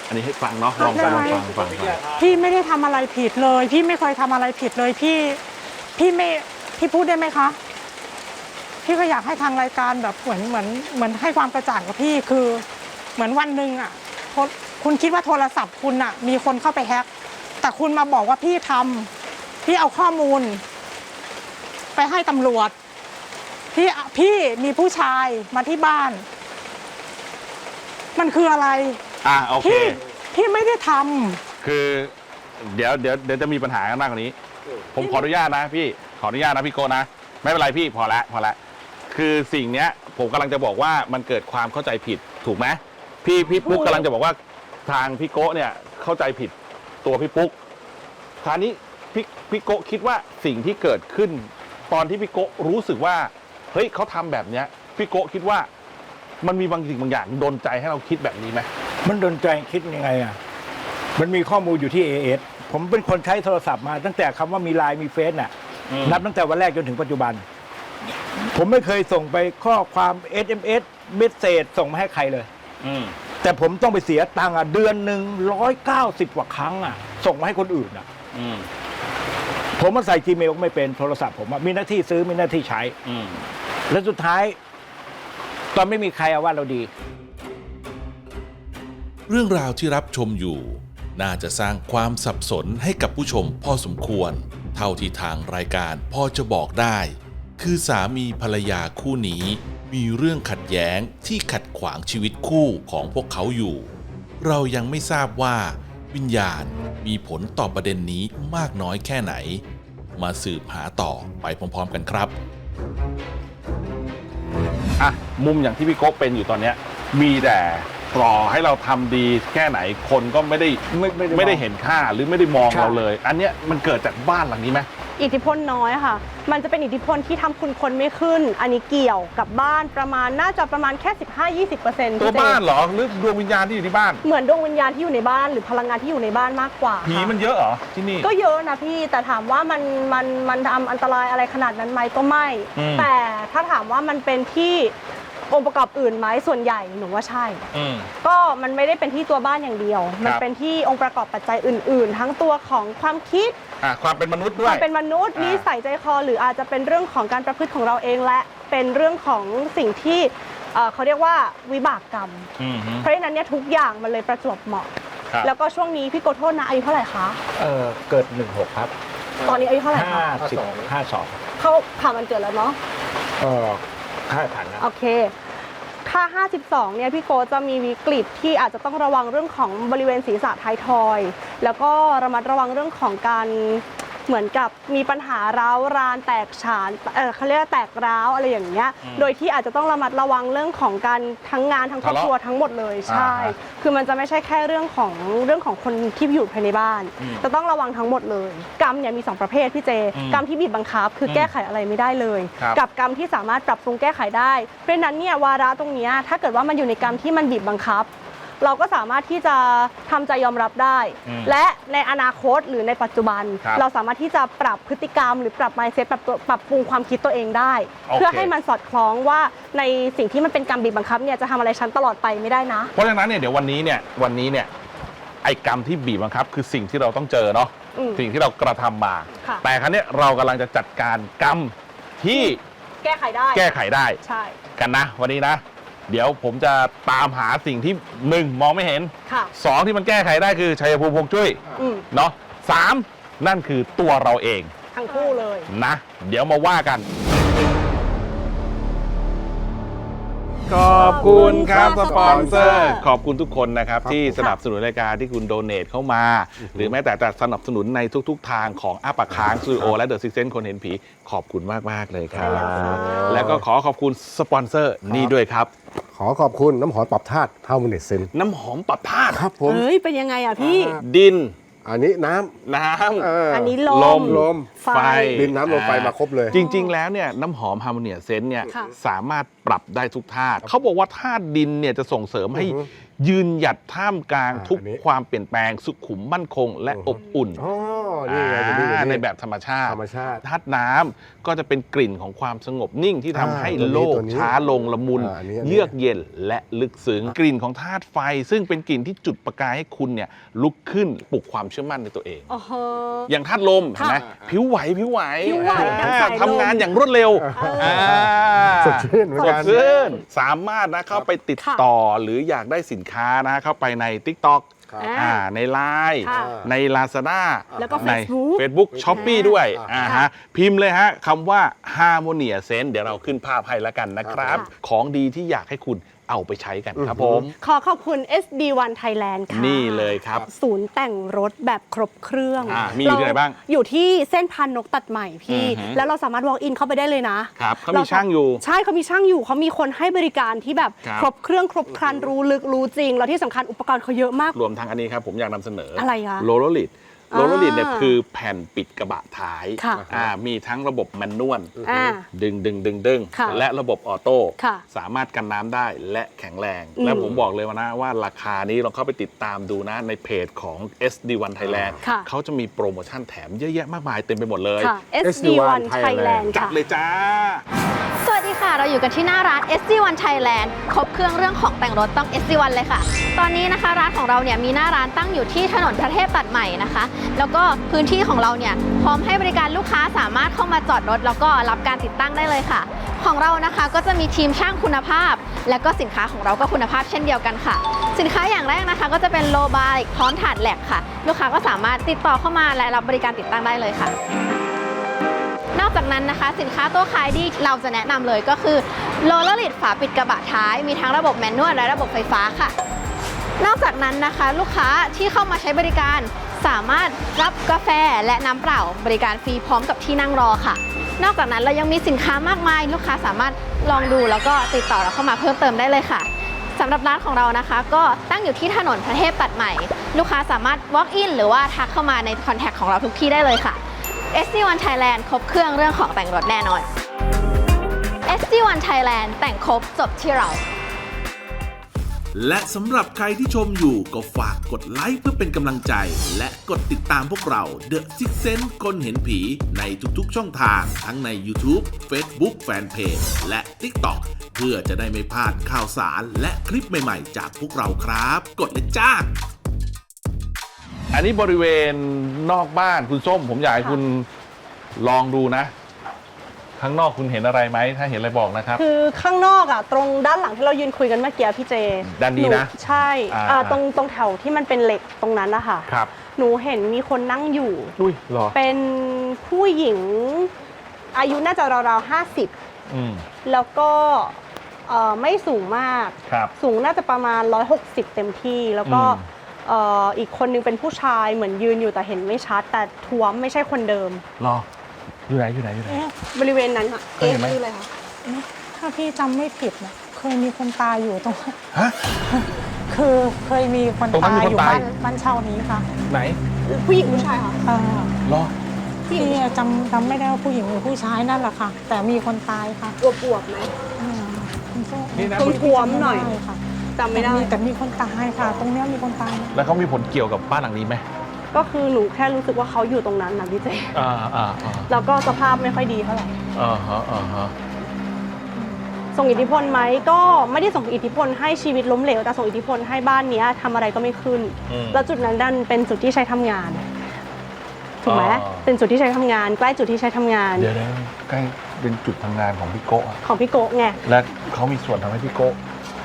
Speaker 2: อันนี้ให้ฟังเนาะลองฟังลองฟังฟังฟัง
Speaker 4: พี่ไม่ได้ทำอะไรผิดเลย พี่ไม่เคยทำอะไรผิดเลยพี่พี่ไม่พี่พูดได้ไหมคะ พี่ก็อยากให้ทางรายการแบบเหมือนเหมือนเหมือนให้ความกระจ่างกับพี่คือเหมือนวันหนึ่งอ่ะคุณคิดว่าโทรศัพท์คุณอ่ะมีคนเข้าไปแฮ็กแต่คุณมาบอกว่าพี่ทำพี่เอาข้อมูล ไปให้ตำรวจพี่พี่มีผู้ชายมาที่บ้าน มันคืออะไร
Speaker 2: อ่ะโอเค
Speaker 4: พี่พี่ไม่ได้ทำ
Speaker 2: คือเดี๋ยวเดี๋ยวเดี๋ยวจะมีปัญหากันมากกว่านี้ ผมขออนุญาตนะพี่ขออนุญาตนะพี่โกนะไม่เป็นไรพี่พอละพอละคือสิ่งเนี้ยผมกำลังจะบอกว่ามันเกิดความเข้าใจผิดถูกไหมพี่พี่ปุ๊กกำลังจะบอกว่าทางพี่โกเนี่ยเข้าใจผิดตัวพี่ปุ๊กคราวนี้พี่พี่โกคิดว่าสิ่งที่เกิดขึ้น ตอนที่พี่โกรู้สึกว่าเฮ้ยเขาทำแบบเนี้ยพี่โกคิดว่ามันมีบางสิ่งบางอย่างดลใจให้เราคิดแบบนี้ไหม
Speaker 5: มันดนใจคิดยังไงอ่ะมันมีข้อมูลอยู่ที่ เอ เอส ผมเป็นคนใช้โทรศัพท์มาตั้งแต่คำว่ามีไลน์มีเฟซน่ะนับตั้งแต่วันแรกจนถึงปัจจุบัน ผมไม่เคยส่งไปข้อความ เอส เอ็ม เอส เมสเซจส่งมาให้ใครเลยแต่ผมต้องไปเสียตังค์อ่ะเดือนหนึ่งร้อยเก้าสิบกว่าครั้งอ่ะส่งมาให้คนอื่นอ่ะผมมาใส่ Gmail ก็ไม่เป็นโทรศัพท์ผมมีหน้าที่ซื้อมีหน้าที่ใช้แล้วสุดท้ายตอนไม่มีใครเอาว่าเราดี
Speaker 1: เรื่องราวที่รับชมอยู่น่าจะสร้างความสับสนให้กับผู้ชมพอสมควรเท่าที่ทางรายการพอจะบอกได้คือสามีภรรยาคู่นี้มีเรื่องขัดแย้งที่ขัดขวางชีวิตคู่ของพวกเขาอยู่เรายังไม่ทราบว่าวิญญาณมีผลต่อประเด็นนี้มากน้อยแค่ไหนมาสืบหาต่อไปพร้อมๆกันครับ
Speaker 2: อ่ะมุมอย่างที่พี่โก๊กเป็นอยู่ตอนเนี้ยมีแต่รอให้เราทำดีแค่ไหนคนก็ไม่ได้ไม่ไม่ไม่ได้เห็นค่าหรือไม่ได้มองเราเลย อันเนี้ยมันเกิดจากบ้านหลังนี้ไหม
Speaker 3: อิทธิพลน้อยค่ะมันจะเป็นอิทธิพลที่ทำคุณคนไม่ขึ้นอันนี้เกี่ยวกับบ้านประมาณน่าจะประมาณแค่ สิบห้าถึงยี่สิบเปอร์เซ็นต์
Speaker 2: ตัวบ้านเหรอหรือดวงวิญญาณที่อยู่ที่บ้าน
Speaker 3: เหมือนดวงวิญญาณที่อยู่ในบ้านหรือพลังงานที่อยู่ในบ้านมากกว่า
Speaker 2: ผีมันเยอะเหรอที่นี่
Speaker 3: ก็เยอะนะพี่แต่ถามว่ามันมันมันทำอันตรายอะไรขนาดนั้นไหมก็ไม่แต่ถ้าถามว่ามันเป็นที่องค์ประกอบอื่นไหมส่วนใหญ่หนูว่าใช่ก็มันไม่ได้เป็นที่ตัวบ้านอย่างเดียวมันเป็นที่องค์ประกอบปัจจัยอื่นๆทั้งตัวของความคิด
Speaker 2: ความเป็นมนุษย์ด้วย
Speaker 3: ความเป็นมนุษย์นิสัยใจคอหรืออาจจะเป็นเรื่องของการประพฤติของเราเองและเป็นเรื่องของสิ่งที่เขาเรียกว่าวิบากกรรมเพราะฉะนั้นเนี่ยทุกอย่างมันเลยประจวบเหมาะแล้วก็ช่วงนี้พี่โกโทษนะอายุเท่าไหร่คะ
Speaker 5: เออเกิดหนึ่งหกครับ
Speaker 3: ตอนนี้อายุเท่าไหร่คะ
Speaker 5: ห้าสิบห้าสอง
Speaker 3: เขาผ่านวันเกิดแล้วเนาะ
Speaker 5: เออค่าผ่านนะ
Speaker 3: โอเคถ้าห้าสิบสองเนี่ยพี่โกจะมีวิกฤตที่อาจจะต้องระวังเรื่องของบริเวณศีรษะท้ายทอยแล้วก็ระมัดระวังเรื่องของการเหมือนกับมีปัญหาร้าวรานแตกฉานเออเขาเรียกว่าแตกร้าวอะไรอย่างเงี้ยโดยที่อาจจะต้องระมัดระวังเรื่องของการทั้งงานทั้งครอบครัวทั้งหมดเลยใช่คือมันจะไม่ใช่แค่เรื่องของเรื่องของคนที่อยู่ภายในบ้านจะต้องระวังทั้งหมดเลยกรรมเนี่ยมีสองประเภทพี่เจกรรมที่บีบบังคับคือแก้ไขอะไรไม่ได้เลยกับกรรมที่สามารถปรับปรุงแก้ไขได้เพราะฉะนั้นเนี่ยวาระตรงนี้ถ้าเกิดว่ามันอยู่ในกรรมที่มันบีบบังคับเราก็สามารถที่จะทำใจยอมรับได้และในอนาคตหรือในปัจจุบันเราสามารถที่จะปรับพฤติกรรมหรือปรับ mindset ปรับตัวปรับปรุงความคิดตัวเองได้เพื่อให้มันสอดคล้องว่าในสิ่งที่มันเป็นกรรมบีบบังคับเนี่ยจะทำอะไรฉันตลอดไปไม่ได้นะ
Speaker 2: เพราะฉะนั้นเนี่ยเดี๋ยววันนี้เนี่ยวันนี้เนี่ยไอ้กรรมที่บีบบังคับคือสิ่งที่เราต้องเจอเนาะสิ่งที่เรากระทำมาแต่ครั้งนี้เรากำลังจะจัดการกรรมที่
Speaker 3: แก้ไขได้
Speaker 2: แก้ไขได้
Speaker 3: ใช่
Speaker 2: กันนะวันนี้นะเดี๋ยวผมจะตามหาสิ่งที่หนึ่งมองไม่เห็นสองที่มันแก้ไขได้คือชัยภูมิฮวงจุ้ยเนาะสามนั่นคือตัวเราเอง
Speaker 3: ทั้งคู่เลย
Speaker 2: นะเดี๋ยวมาว่ากันขอบคุณครับสปอนเซอร์ขอบคุณทุกคนนะครับที่สนับสนุนรายการที่คุณโดเนทเข้ามาหรือแม้แต่แต่สนับสนุนในทุกๆทางของอ้าปากค้างสตูดิโอและเดอะซิกเซนคนเห็นผีขอบคุณมากๆเลยครับแล้วก็ขอขอบคุณสปอนเซอร์นี่ด้วยครับ
Speaker 6: ขอขอบคุณน้ำหอมปรับธาตุเท่ามินเนตเซน
Speaker 2: น้ำหอมปรับธาตุ
Speaker 6: ครับผม
Speaker 3: เฮ้ยเป็นยังไงอ่ะพี่
Speaker 2: ดิน
Speaker 6: อันนี้น้
Speaker 2: ำน้
Speaker 3: ำอันนี้ลม
Speaker 6: ลม
Speaker 3: ไฟ
Speaker 6: ดินน้ำลมไฟมาครบเลย
Speaker 2: จริงๆแล้วเนี่ยน้ำหอมฮาร์โมเนียเซนเนี่ยสามารถปรับได้ทุกธาตุเขาบอกว่าธาตุดินเนี่ยจะส่งเสริมให้ยืนหยัดท่ามกลาง
Speaker 6: อ่า
Speaker 2: ทุก
Speaker 6: อันนี้
Speaker 2: ความเปลี่ยนแปลงสุขุมมั่นคง และอบอุ่น
Speaker 6: อ๋อนี่ไงอยู่นี่อยู่
Speaker 2: อ่า
Speaker 6: นี่
Speaker 2: ในแบบธรรมชาติ
Speaker 6: ธรรมชาติ
Speaker 2: ธาตุน้ำก็จะเป็นกลิ่นของความสงบนิ่งที่ทำให้
Speaker 6: อ่าตัวนี้
Speaker 2: โลก
Speaker 6: ตัวนี้
Speaker 2: ช้าลงละมุน
Speaker 6: อ่าอันนี้อันนี้
Speaker 2: เยือกเย็นและลึกซึ้งกลิ่นของธาตุไฟ ซึ่งเป็นกลิ่นที่จุดประกายให้คุณเนี่ยลุกขึ้นปลุกความเชื่อมั่นในตัวเอง
Speaker 3: โอ้โห
Speaker 2: อย่างธาตุลมเห็นไหมผิวไหวผิวไหว
Speaker 3: ผิวไหวดังสายลม
Speaker 2: ทำงานอย่างรวดเร็ว
Speaker 3: เออ
Speaker 2: อ่า
Speaker 6: สดชื่นเหมือน
Speaker 2: ส
Speaker 6: กั
Speaker 2: ด
Speaker 6: น
Speaker 2: ชื่นสามารถนะเข้าไปติดต่อหรืออยากได้สินค้านะเข้าไปใน TikTok
Speaker 6: ครับ
Speaker 3: อ่า
Speaker 2: อ่าใน ไลน์
Speaker 3: ค่ะ
Speaker 2: ใน Lazada
Speaker 3: แล้วก็
Speaker 2: ใน
Speaker 3: Facebook
Speaker 2: Facebook Shopee ด้วย
Speaker 6: อ่า
Speaker 2: อ่าฮะพิมพ์เลยฮะคำว่า Harmonia Sense เดี๋ยวเราขึ้นภาพให้แล้วกันนะครับ ของดีที่อยากให้คุณเอาไปใช้กันครับผม
Speaker 3: ขอขอบคุณ เอส ดี วัน Thailand ค่ะ
Speaker 2: นี่เลยครับ
Speaker 3: ศูนย์แต่งรถแบบครบเครื่อง
Speaker 2: อ่ามีอยู่ที่ไหนบ้าง
Speaker 3: อยู่ที่เส้นพันนกตัดใหม่พี่
Speaker 2: อือหือ
Speaker 3: แล้วเราสามารถ walk in เข้าไปได้เลยนะครับ
Speaker 2: เขามีช่างอยู่
Speaker 3: ใช่เขามีช่างอยู่เขามีคนให้บริการที่แบบ
Speaker 2: ครับ
Speaker 3: ครบเครื่องครบครันรู้ลึกรู้จริง แล้วที่สำคัญอุปกรณ์เขาเยอะมาก
Speaker 2: รวมทั้งอันนี้ครับผมอยากนำเสนออะไร
Speaker 3: คะ
Speaker 2: โลโลลิด
Speaker 3: อ่า
Speaker 2: โลโลลิดเนี่ยคือแผ่นปิดกระบะท้าย
Speaker 3: ค่ะ
Speaker 2: อ่ามีทั้งระบบแมนนวล
Speaker 3: อ่า
Speaker 2: ดึงดึงดึงดึง
Speaker 3: ค่ะ
Speaker 2: และระบบออโต้
Speaker 3: ค่ะ
Speaker 2: สามารถกันน้ำได้และแข็งแรง
Speaker 3: อืม
Speaker 2: และผมบอกเลยว่านะว่าราคานี้ลองเข้าไปติดตามดูนะในเพจของ เอส ดี วัน Thailand
Speaker 3: ค่ะ
Speaker 2: เขาจะมีโปรโมชั่นแถมเยอะแยะมากมายเต็มไปหมดเลย
Speaker 3: ค่ะ เอส ดี วัน Thailand
Speaker 2: จัด
Speaker 3: ค่ะ
Speaker 2: เลยจ้า
Speaker 7: สวัสดีค่ะ เราอยู่กันที่หน้าร้าน เอส ดี วัน Thailand ครบเครื่องเรื่องของแต่งรถต้อง เอส ดี วัน เลยค่ะ ตอนนี้นะคะร้านของเราเนี่ยมีหน้าร้านตั้งอยู่ที่ถนนพระเทพตัดใหม่นะคะ แล้วก็พื้นที่ของเราเนี่ยพร้อมให้บริการลูกค้าสามารถเข้ามาจอดรถ แล้วก็รับการติดตั้งได้เลยค่ะ ของเรานะคะก็จะมีทีมช่างคุณภาพ และก็สินค้าของเราก็คุณภาพเช่นเดียวกันค่ะ สินค้าอย่างแรกนะคะก็จะเป็นโลบาร์พร้อมถาดแหลกค่ะ ลูกค้าก็สามารถติดต่อเข้ามาและรับบริการติดตั้งได้เลยค่ะ นอกจากนั้นนะคะสินค้าตัวขายดีเราจะแนะนำเลยก็คือโรลเลอร์ลิดฝาปิดกระบะท้ายมีทั้งระบบแมนนวลและระบบไฟฟ้าค่ะ นอกจากนั้นนะคะลูกค้าที่เข้ามาใช้บริการสามารถรับกาแฟและน้ำเปล่าบริการฟรีพร้อมกับที่นั่งรอค่ะ นอกจากนั้นเรายังมีสินค้ามากมาย ลูกค้าสามารถลองดูแล้วก็ติดต่อเราเข้ามาเพิ่มเติมได้เลยค่ะสำหรับร้านของเรานะคะ ก็ตั้งอยู่ที่ถนนพระเทพตัดใหม่ ลูกค้าสามารถ walk in หรือว่าทักเข้ามาในคอนแทคของเราทุกที่ได้เลยค่ะ เอส ดี วัน Thailand ครบเครื่องเรื่องของแต่งรถแน่นอน เอส ดี วัน Thailand แต่งครบจบที่เรา
Speaker 1: และสำหรับใครที่ชมอยู่ก็ฝากกดไลค์เพื่อเป็นกำลังใจ และกดติดตามพวกเรา The Six Sense คนเห็นผีในทุกๆช่องทาง ทั้งใน YouTube Facebook Fanpage และ TikTok เพื่อจะได้ไม่พลาดข่าวสารและคลิปใหม่ๆจากพวกเราครับ กดเลยจ้า
Speaker 2: อันนี้บริเวณนอกบ้านคุณส้มผมอยากให้คุณลองดูนะ ข้างนอกคุณเห็นอะไรไหมถ้าเห็นอะไรบอกนะครับ
Speaker 3: คือข้างนอกอ่ะตรงด้านหลังที่เรายืนคุยกันเมื่อกี้พี่เจ
Speaker 2: ด้านนี้นะ
Speaker 3: หใช่
Speaker 2: อ่า
Speaker 3: อ่าตรงตรงแถวที่มันเป็นเหล็กตรงนั้นนะคะ
Speaker 2: ครับ
Speaker 3: หนูเห็นมีคนนั่งอยู่
Speaker 6: อุ้ยเหรอ
Speaker 3: เป็นผู้หญิงอายุน่าจะราวๆห้าสิบ
Speaker 2: อืม
Speaker 3: แล้วก็เอ่อไม่สูงมาก
Speaker 2: ครับ
Speaker 3: สูงน่าจะประมาณหนึ่งร้อยหกสิบเต็มที่ แล้วก็
Speaker 2: อืม
Speaker 3: เอ่ออีกคนนึงเป็นผู้ชายเหมือนยืนอยู่แต่เห็นไม่ชัด แต่ท้วมไม่ใช่คนเดิม
Speaker 2: รออยู่ไหนอยู่ไหนอยู่ไหน
Speaker 4: เอ๊ะ
Speaker 3: บริเวณนั้นค่ะ
Speaker 2: เคยเห็นไหม
Speaker 3: คืออะไรคะ
Speaker 4: ถ้าพี่จำไม่ผิดนะเคยมีคนตายอยู่ตรง
Speaker 2: ฮะ
Speaker 4: คือเคยมีคน
Speaker 2: ตรงนั้น
Speaker 4: ตาย
Speaker 2: มีคน
Speaker 4: อยู่
Speaker 2: ตาย
Speaker 4: บ้านบ้านเช่านี้ค่ะ
Speaker 2: ไหน
Speaker 3: ผู้หญิงผู้ชายค่ะ
Speaker 4: เอ่อ
Speaker 2: รอ
Speaker 4: พี่จำจำไม่ได้ว่าผู้หญิงหรือผู้ชายนั่นแหละค่ะ แต่มีคนตายค่ะ
Speaker 3: อวบๆไหม
Speaker 4: อืมคุณโซ่
Speaker 2: นี่นะ
Speaker 3: ท้วมๆหน่อย
Speaker 4: จำไม่ได้ค่ะ
Speaker 3: จำไม่ได้
Speaker 4: แต่มีคนตายค่ะ ตรงเนี้ยมีคนตาย
Speaker 2: แล้วเขามีผลเกี่ยวกับบ้านหลังนี้ไหม
Speaker 3: ก็คือหนูแค่รู้สึกว่าเขาอยู่ตรงนั้นนะพี่เจ
Speaker 2: อ่าอ่าอ่า
Speaker 3: แล้วก็สภาพไม่ค่อยดีเท่าไหร่
Speaker 2: อ่าฮะอ่าฮะ
Speaker 3: ส่งอิทธิพลไหมก็ไม่ได้ส่งอิทธิพลให้ชีวิตล้มเหลวแต่ส่งอิทธิพลให้บ้านเนี้ยทำอะไรก็ไม่ขึ้น
Speaker 2: อืม
Speaker 3: แล้วจุดนั้นดันเป็นจุดที่ใช้ทำงาน ถูกไหม
Speaker 2: อ๋อ
Speaker 3: เป็นจุดที่ใช้ทำงาน ใกล้จุดที่ใช้ทำงาน
Speaker 2: เดี๋ยวนะใกล้เป็นจุดทำงานของพี่โกะอะ
Speaker 3: ของพี่โกะไง
Speaker 2: และเขามีส่วนทำให้พี่โกะ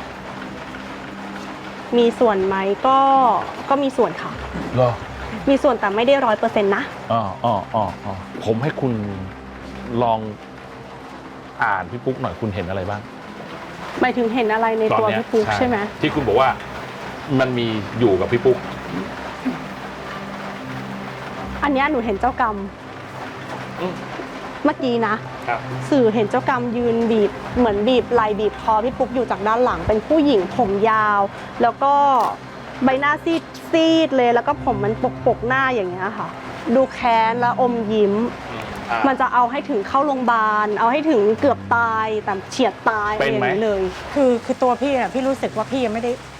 Speaker 3: มีส่วนไหมก็ก็มีส่วนค่ะ
Speaker 2: เหรอ
Speaker 3: มีส่วนแต่ไม่ได้ร้อยเปอร์เซ็นต์นะ
Speaker 2: อ๋ออ๋ออ๋ออ๋อผมให้คุณลองอ่านพี่ปุ๊กหน่อยคุณเห็นอะไรบ้าง
Speaker 3: หมายถึงเห็นอะไรในตัว
Speaker 2: ตอนเนี้ย
Speaker 3: พี่ปุ๊กใช่ไหม
Speaker 2: ที่คุณบอกว่ามันมีอยู่กับพี่ปุ๊ก
Speaker 3: อันเนี้ยหนูเห็นเจ้ากรรม
Speaker 2: อืม
Speaker 3: เมื่อกี้นะ
Speaker 2: ครับ
Speaker 3: สื่อเห็นเจ้ากรรมยืนบีบเหมือนบีบไหลบีบคอพี่ปุ๊กอยู่จากด้านหลังเป็นผู้หญิงผมยาว แล้วก็ใบหน้าซีดซีดเลยแล้วก็ผมมันปกปกหน้าอย่างเงี้ยค่ะ ดูแค้นแล้วอมยิ้ม
Speaker 2: อ่า
Speaker 3: มันจะเอาให้ถึงเข้าโรงพยาบาลเอาให้ถึงเกือบตายแต่เฉียดตายอะไร
Speaker 2: เป็น
Speaker 3: อย่า
Speaker 2: ไหม
Speaker 3: งนี้เลย
Speaker 4: คือคือตัวพี่อ่ะพี่รู้สึกว่าพี่ยังไม่ได้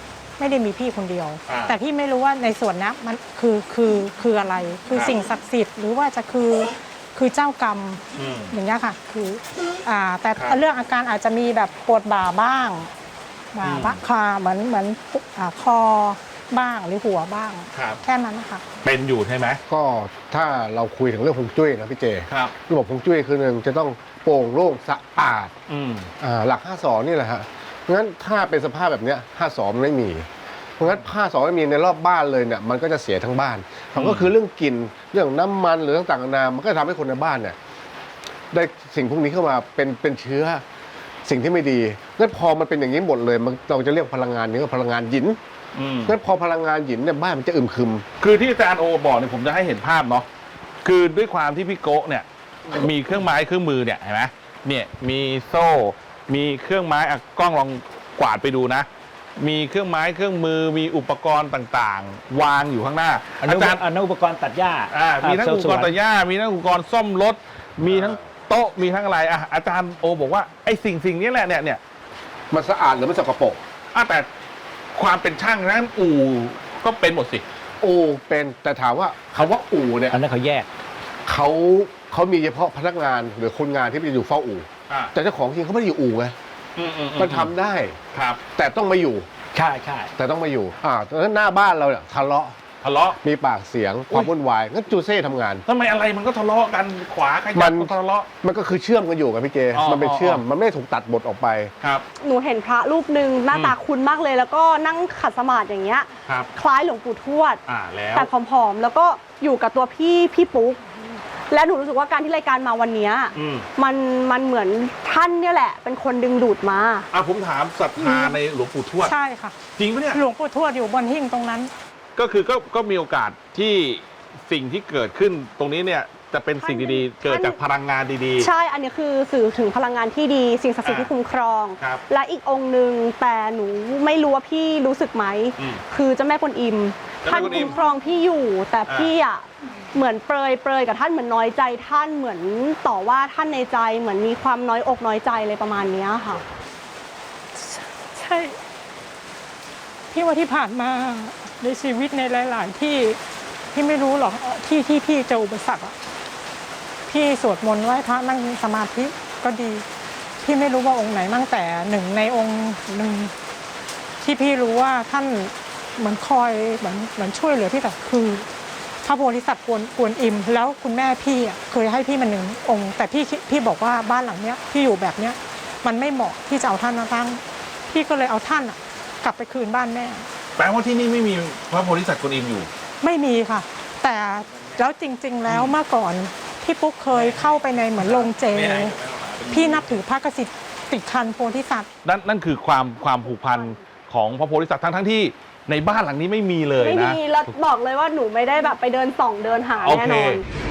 Speaker 4: ไม่ได้มีพี่คนเดียว
Speaker 2: อ่า
Speaker 4: แต่พี่ไม่รู้ว่าในส่วนนี้มันคือคือคืออะไร คือ
Speaker 2: ครับ
Speaker 4: สิ่งศักดิ์สิทธิ์หรือว่าจะคือคือเจ้ากรรม
Speaker 2: อืม
Speaker 4: อย่างเงี้ยค่ะคืออ่าแต่
Speaker 2: ครับ
Speaker 4: เรื่องอาการอาจจะมีแบบปวดบ่าบ้างบ่า
Speaker 2: อืม
Speaker 4: บ้างคอเหมือนเหมือนอ่าคอบ้างหรือหัวบ้าง
Speaker 2: ครับ
Speaker 4: แค่นั้นนะคะ
Speaker 2: เป็นอยู่ใช่ไหม
Speaker 6: ก็ถ้าเราคุยถึงเรื่องฮวงจุ้ยนะพี่เจ
Speaker 2: ครับ
Speaker 6: ระบบฮวงจุ้ยคือหนึ่งจะต้องโปร่งโล่งสะอาด
Speaker 2: อืม
Speaker 6: อ่าหลักห้าสองนี่แหละฮะเพราะงั้นถ้าเป็นสภาพแบบเนี้ยห้าสองมันไม่มี เพราะงั้นห้าสองไม่มีในรอบบ้านเลยเนี่ยมันก็จะเสียทั้งบ้านมันก็คือเรื่องกลิ่นเรื่องน้ำมันหรือต่างๆนานามันก็ทำให้คนในบ้านเนี่ยได้สิ่งพวกนี้เข้ามาเป็นเป็นเชื้อสิ่งที่ไม่ดีงั้นพอมันเป็นอย่างนี้หมดเลยมันเราจะเรียกพลังงานนี้ว่าพลังงานหยิน
Speaker 2: อืม
Speaker 6: งั้นพอพลังงานหยินเนี่ยบ้านมันจะอึมครึม
Speaker 2: คือที่อาจารย์โอบอกเนี่ยผมจะให้เห็นภาพเนาะคือด้วยความที่พี่โกะเนี่ยมีเครื่องไม้เครื่องมือเนี่ยเห็นไหมเนี่ยมีโซ่ มีเครื่องไม้อ่ะกล้องลองกวาดไปดูนะ มีเครื่องไม้เครื่องมือมีอุปกรณ์ต่างๆ วางอยู่ข้างหน้า
Speaker 5: อันนั้
Speaker 2: อาน จารย์
Speaker 5: อันนั้นอุปกรณ์ตัดหญ้า
Speaker 2: อ่ามีทั้ง
Speaker 5: เซล
Speaker 2: อุ
Speaker 5: ล์
Speaker 2: ปกรณ์
Speaker 5: สวน
Speaker 2: ตัดหญ้ามีทั้งอุปกรณ์ซ่อมรถ มีทั้งโต๊ะมีทั้งอะไรอ่ะอาจารย์โอบอกว่าไอ้สิ่งสิ่งนี้แหละเนี่ยเนี่ย
Speaker 6: มันสะอาดหรือมันสกปรก
Speaker 2: อ่ะแต่ความเป็นช่างนั้นอู่ก็เป็นหมดสิ
Speaker 6: อู่เป็นแต่ถามว่าคำว่าอู่เนี่ย
Speaker 5: อันนั้นเขาแยก
Speaker 6: เขาเขามีเฉพาะพนักงานหรือคนงานที่ไปอยู่เฝ้าอู่
Speaker 2: อ่า
Speaker 6: แต่เจ้าของจริงเขาไม่ได้อยู่อู่ไง
Speaker 2: อืมอืมอื
Speaker 6: มันทำได้
Speaker 2: ครับ
Speaker 6: แต่ต้องมาอยู่
Speaker 5: ใช่ใช่
Speaker 6: แต่ต้องมาอยู่อ่าตอนนั้นหน้าบ้านเราเนี่ยทะเลาะ
Speaker 2: ทะเลาะ
Speaker 6: มีปากเสียงความวุ่นวายงั้นจูเซ่ทำงาน
Speaker 2: ทำไมอะไรมันก็ทะเลาะกันขวาข
Speaker 6: มั
Speaker 2: ยับ
Speaker 6: น
Speaker 2: ก็ทะเลาะ
Speaker 6: มันก็คือเชื่อมกันอยู่กับพี่เจ
Speaker 2: อ๋อ
Speaker 6: มันเป็นเชื่อม
Speaker 2: อ๋อ
Speaker 6: มันไม่ได้ถูกตัดบทออกไป
Speaker 2: ครับ
Speaker 3: หนูเห็นพระรูปหนึ่งหน้า
Speaker 2: อืม
Speaker 3: ตาคุ้นมากเลย แล้วก็นั่งขัดสมาธิอย่างเงี้ย
Speaker 2: ครับ
Speaker 3: คล้ายหลวงปู่ทวด
Speaker 2: อ่าแล้ว
Speaker 3: แต่ผอมๆ แล้วก็อยู่กับตัวพี่พี่ปุ๊ก และหนูรู้สึกว่าการที่รายการมาวันเนี้ย
Speaker 2: อืม
Speaker 3: มันมันเหมือนท่านเนี่ยแหละ เป็นคนดึงดูดมา
Speaker 2: อ่ะผมถามศรัทธาในหลวงปู่ทวด
Speaker 4: ใช่ค่ะ
Speaker 2: จริงปะเนี่ย
Speaker 4: หลวงปู่ทวดอยู่บนหิ้งตรงนั้น
Speaker 2: ก็คือก็ก็มีโอกาสที่สิ่งที่เกิดขึ้นตรงนี้เนี่ยจะเป็นสิ่งดีๆ เกิดจากพลังงานดี
Speaker 3: ใช่ อันนี้คือสื่อถึงพลังงานที่ดี สิ่งศักดิ์สิทธิ์
Speaker 2: อ่า
Speaker 3: ที่คุ้มครอง
Speaker 2: ครับ
Speaker 3: และอีกองค์หนึ่งแต่หนูไม่รู้ว่าพี่รู้สึกไหม
Speaker 2: อืม
Speaker 3: คือเจ้าแม่กวนอิม
Speaker 2: เจ้า
Speaker 3: ท่าน
Speaker 2: แม่กวนอิม
Speaker 3: คุ้มครองพี่อยู่ แต่
Speaker 2: อ่า
Speaker 3: พี่อ่ะเหมือนเปรยเปรยกับท่านเหมือนน้อยใจท่านเหมือนต่อว่าท่านในใจเหมือนมีความน้อยอกน้อยใจอะไรประมาณเนี้ยค่ะ
Speaker 4: ใช่ พี่ว่าที่ผ่านมาในชีวิตในหลาย ๆ ที่พี่ไม่รู้หรอกที่ที่พี่เจออุปสรรคอะพี่สวดมนต์ไหว้พระนั่งสมาธิก็ดี พี่ไม่รู้ว่าองค์ไหนมั่งแต่หนึ่งในองค์หนึ่งที่พี่รู้ว่าท่านเหมือนคอยเหมือนเหมือนช่วยเหลือพี่แต่คือพระโพธิสัตว์กวนกวนอิม แล้วคุณแม่พี่อะเคยให้พี่มาหนึ่งองค์ แต่พี่คิดพี่บอกว่าบ้านหลังเนี้ยที่อยู่แบบเนี้ยมันไม่เหมาะที่จะเอาท่านมาตั้งพี่ก็เลยเอาท่านอะกลับไปคืนบ้านแม่
Speaker 2: แปลว่าที่นี่ไม่มีพระโพธิสัตว์กวนอิมอยู่
Speaker 4: ไม่มีค่ะ แต่แล้วจริง ๆ แล้วเมื่อก่อนพี่ปุ๊กเคยเข้าไปในเหมือนโรงเจ พี่นับถือพระกสิทธิ์ติดคันโพธิสัตว์
Speaker 2: นั่นนั่นคือความความผูกพันของพระโพธิสัตว์ทั้งทั้งที่ในบ้านหลังนี้ไม่มีเลย
Speaker 3: ไม่
Speaker 2: นะ
Speaker 3: มีแล้วบอกเลยว่าหนูไม่ได้แบบไปเดินส่องเดินหา
Speaker 2: โอ
Speaker 3: แน่
Speaker 2: เคน
Speaker 3: อน